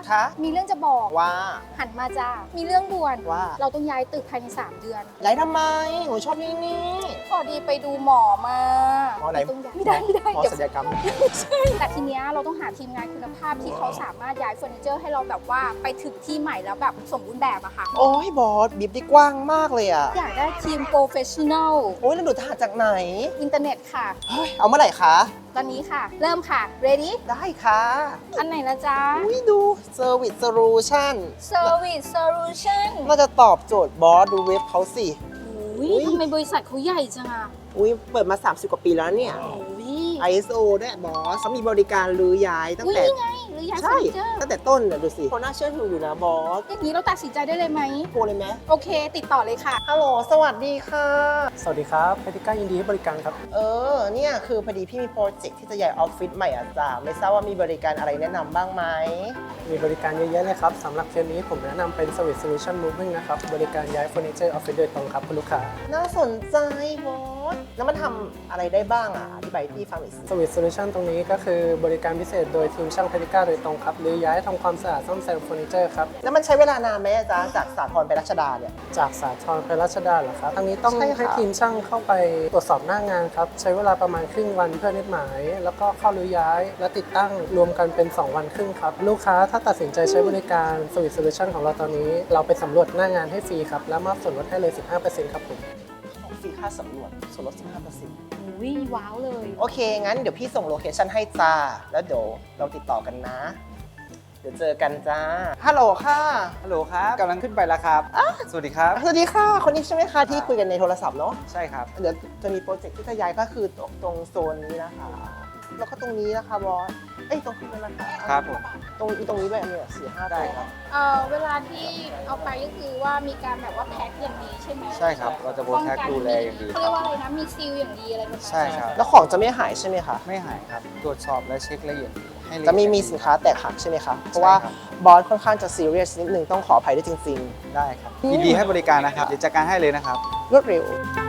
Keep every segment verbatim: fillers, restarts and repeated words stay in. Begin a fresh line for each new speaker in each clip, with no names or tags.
คะ
มีเรื่องจะบอก
ว่า
หันมาจ้ามีเรื่องด่วน
ว่า
เราต้องย้ายตึกภายในสามเดือน
ย้ายทำไมหนูชอบนี่นี่
พอดีไปดูหมอมา
หมอไหน
ต้องย้ายไม่ได้ไม่ได้
หมอ
เดี๋ยว
ศัลยกรรม
ใช่แต่ทีเนี้ยเราต้องหาทีมงานคุณภาพที่เขาสามารถย้ายเฟอร์นิเจอร์ให้เราแบบว่าไปถึงที่ใหม่แล้วแบบสมบูรณ์แบบอะค่ะ
โอ้ยบอสบีบได้กว้างมากเลยอ่ะ
อยากได้ทีมโปรเฟชชั่นอล
โอ้ยแล้วหนูถ่ายจากไหน
อินเทอร์เน็ตค่ะ
เฮ้ยเอาเมื่อไหร่คะ
ตอนนี้ค่ะ เริ่มค่ะ ready
ได้ค่ะ
อันไหนนะจ๊ะ
อุ้ยดู Service Solution
Service Solution
น่าจะตอบโจทย์บอสดูเว็บเขาสิ
อุ้ยทำไมบริษัทเขาใหญ่จังอะ
อุ้ยเปิดมา สามสิบ กว่าปีแล้วเนี่ย
อุ้ย
ไอ เอส โอ ด้วยบอสเขามีบริการรื้อย้ายตั้ง
อุ้ย
แต่
นี่ไงหรือย้ายเฟอ
ใช่
ร์นิเจอร์
ตั้งแต่ต้นเนี่ยดูสิเขาน่าเชื่อถืออยู่นะบอส
อย่างนี้เราตัดสินใจได้เลยไหม
โทรเลยไหม
โอเค ติดต่อเลยค่ะ
ฮัลโหลสวัสดีค่ะ
สวัสดีครับเพติก้ายินดีให้บริการครับ
เออเนี่ยคือพอดีพี่มีโปรเจกต์ที่จะย้ายออฟฟิศใหม่อ่ะจ้าไม่ทราบว่ามีบริการอะไรแนะนำบ้างไหม
มีบริการเยอะแยะเลยครับสำหรับเคสนี้ผมแนะนำเป็น Service Solution Moving นะครับ บริการย้ายเฟอร์นิเจอร์ออฟฟิศโดยตรงครับคุณลูกค้า
น่าสนใจบอสแล้วมันทำอะไรได้บ้างอ่ะอธิบายให้พี่ฟังหน่อยสิ
Service Solution ตรงนี้ก็คือบริการพิเศษโดยทีมช่างเพติก้าโดยตรงครับหรือย้ายทำความสะอาดซ่อมแซมเฟอร์นิเจอร์ครับ
แล้วมันใช้เวลานานไหมอาจ๊ะจากสาทรไปรัชดาเนี่ย
จากสาทรไปรัชดาเหรอครับทางนี้ต้อง
ใช่ค่ะ
ให้ทีมช่างเข้าไปตรวจสอบหน้างานครับใช้เวลาประมาณครึ่งวันเพื่อนัดหมาย แล้วก็เข้ารื้อย้าย และติดตั้งรวมกันเป็น สอง วันครึ่งครับลูกค้าถ้าตัดสินใจใช้บริการ Service Solution ของเราตอนนี้ เราไปสำรวจหน้างานให้ฟรีครับและมอบส่วนลดให้เลย สิบห้าเปอร์เซ็นต์ ครับผม
ของฟรีค่าสำรวจส่วนลด สิบห้าเปอร์เซ็นต์
อุ้ยว้าวเลย
โอเค งั้นเดี๋ยวพี่ส่งโลเคชั่นให้จ้า แล้วเดี๋ยวเราติดต่อกันนะ เดี๋ยวเจอกันจ้า ฮัลโหลค่ะ
ฮัลโหลครับกำลังขึ้นไปแล้วครับ สวัสดีครับ
สวัสดีค่ะ คนนี้ใช่ไหมคะที่คุยกันในโทรศัพท์เนาะ
ใช่ครับ
เดี๋ยวจะมีโปรเจกต์ที่จะย้ายก็คือตรงตรงโซนนี้นะคะ แล้วก็ตรงนี้นะคะบอส เอ้ยตรงนี้นะคะ
ครับผม
ตรงตรงนี้ด้วยอันนี้สี่ห้า
ได้ครับ
เอ่อเวลาที่เอาไปก็คือว่ามีการแบบว่าแพ็คอย่างดีใช่ไหม
ใช่ครับ เราจะโบแท็กดูแลอย่างดี
เขาเรียกว่าอะไรนะ มีซีลอย่างดีอะไรประมาณนั้น
ใช่ครับ
แล้วของจะไม่หายใช่ไหมคะ
ไม่หายครับ ตรวจสอบและเช็คละเอียดให้ลเอียด
จะไม่มีสินค้าแตกหักใช่ไหมคะ เพราะว่า
ใช่ครับ
บอสค่อนข้างจะซีเรียสนิดนึงต้องขออภัยด้วยจริง
ได้ครับ ยินดีให้บริการนะครับ เดี๋ยวจัดการให้เลยนะครับ
ๆ รวดเร็ว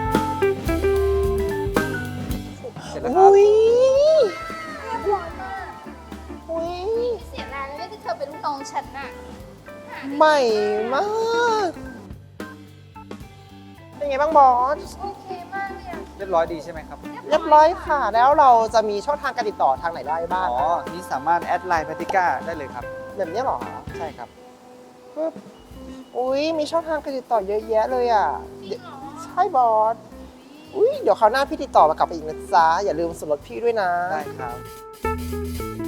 เสร็จแล้วครับ
อุ้ย
เรียบร้อยมาก
อุ้ย
เสียดายแล้วที่เธอเป็นลูกน้องฉันน่ะ
ใหม่มาก เป็นไงบ้างบอส
โอเคมากเลยอะ
เรียบร้อยดีใช่ไหมครับ
เรียบร้อยค่ะ แล้วเราจะมีช่องทางการติดต่อทางไหนได้บ้าง
อ๋อ นี่สามารถแอดไลน์พติก้าได้เลยครับ
แบบนี้เหรอ
ใช่ครับ
ปึ๊บอุ้ยมีช่องทางการติดต่อเยอะแยะเลยอ่ะเดี๋ยวใช่บอส อุ้ยเดี๋ยวคราวหน้าพี่ติดต่อมากลับไปอีกนะจ๊ะ อย่าลืมส่วนลดพี่ด้วยนะ
ได้ครับ